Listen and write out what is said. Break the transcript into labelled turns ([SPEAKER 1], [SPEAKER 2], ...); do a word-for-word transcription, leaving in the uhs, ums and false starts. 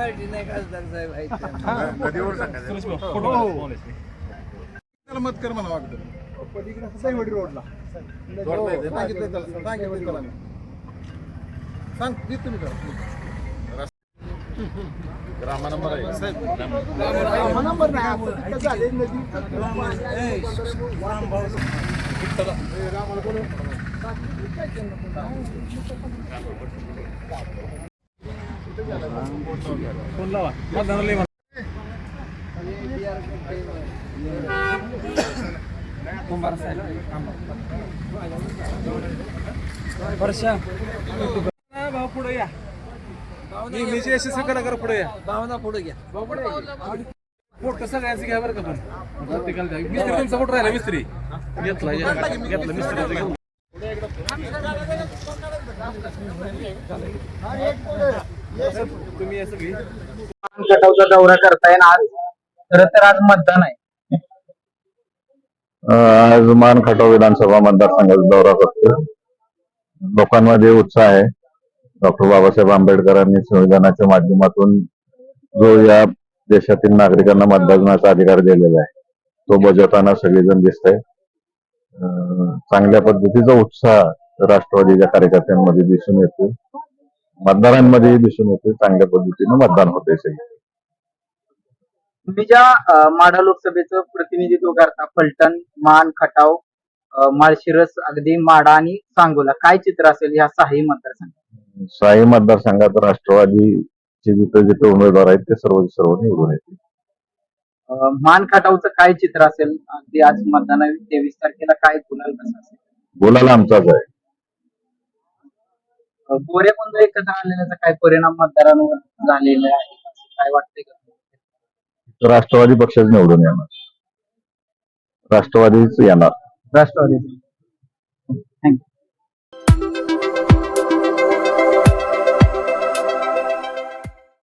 [SPEAKER 1] Party नाही खासदार साहेब आहेत
[SPEAKER 2] नदीवर त्याला मत कर मला वाटतं साईवडी रोडला सांगितलं त्याला सांगितलं त्याला मी सांग ती तुम्ही करा रामा नंबर आहे रामा नंबर नाही झाले नदी रामाला बोलू
[SPEAKER 3] फोन लावा मतदानाला ये. भाऊ पुढे या नेहमीची अशी सकला करा पुढे या
[SPEAKER 1] भावना पुढे घ्या
[SPEAKER 3] फोटो सगळ्यांचं घ्या बरं का पण प्रत्येकाला द्या. मिस्त्री तुमचा फोटो राहिला मिस्त्री घेतला घेतला मिस्त्रीचा घेतला. तुम्ही या सगळी
[SPEAKER 4] खटावचा दौरा करताय आज खरं तर आज मतदान आहे.
[SPEAKER 5] आज मान खटाव विधानसभा मतदारसंघाचा दौरा करतो. लोकांमध्ये उत्साह आहे. डॉक्टर बाबासाहेब आंबेडकरांनी संविधानाच्या माध्यमातून जो या देशातील नागरिकांना मतदानाचा अधिकार दिलेला आहे तो बजावताना सगळेजण दिसत आहे. चांगल्या पद्धतीचा उत्साह राष्ट्रवादीच्या कार्यकर्त्यांमध्ये दिसून येतो, मतदारांमध्येही दिसून येतो. चांगल्या पद्धतीने मतदान होते. सगळे
[SPEAKER 4] तुम्ही ज्या माढा लोकसभेचं प्रतिनिधित्व करता फलटण, मान, खटाव, माळशिरस, अगदी माढा आणि सांगोला, काय चित्र असेल या सहाही मतदारसंघात?
[SPEAKER 5] सहाही मतदारसंघात राष्ट्रवादीचे जिथे जिथे उमेदवार आहेत ते सर्व सर्व निवडून येतील.
[SPEAKER 4] मान खटावचं काय चित्र असेल? अगदी आज मतदान तेवीस तारखेला काय गुलाल कसं असेल?
[SPEAKER 5] बोलायला आमचाच आहे.
[SPEAKER 4] गोरे बंधू एकत्र आलेल्याचा काय परिणाम मतदारांवर झालेला आहे काय वाटतंय का?
[SPEAKER 5] राष्ट्रवादी पक्षच निवडून येणार, राष्ट्रवादीच येणार.
[SPEAKER 4] राष्ट्रवादी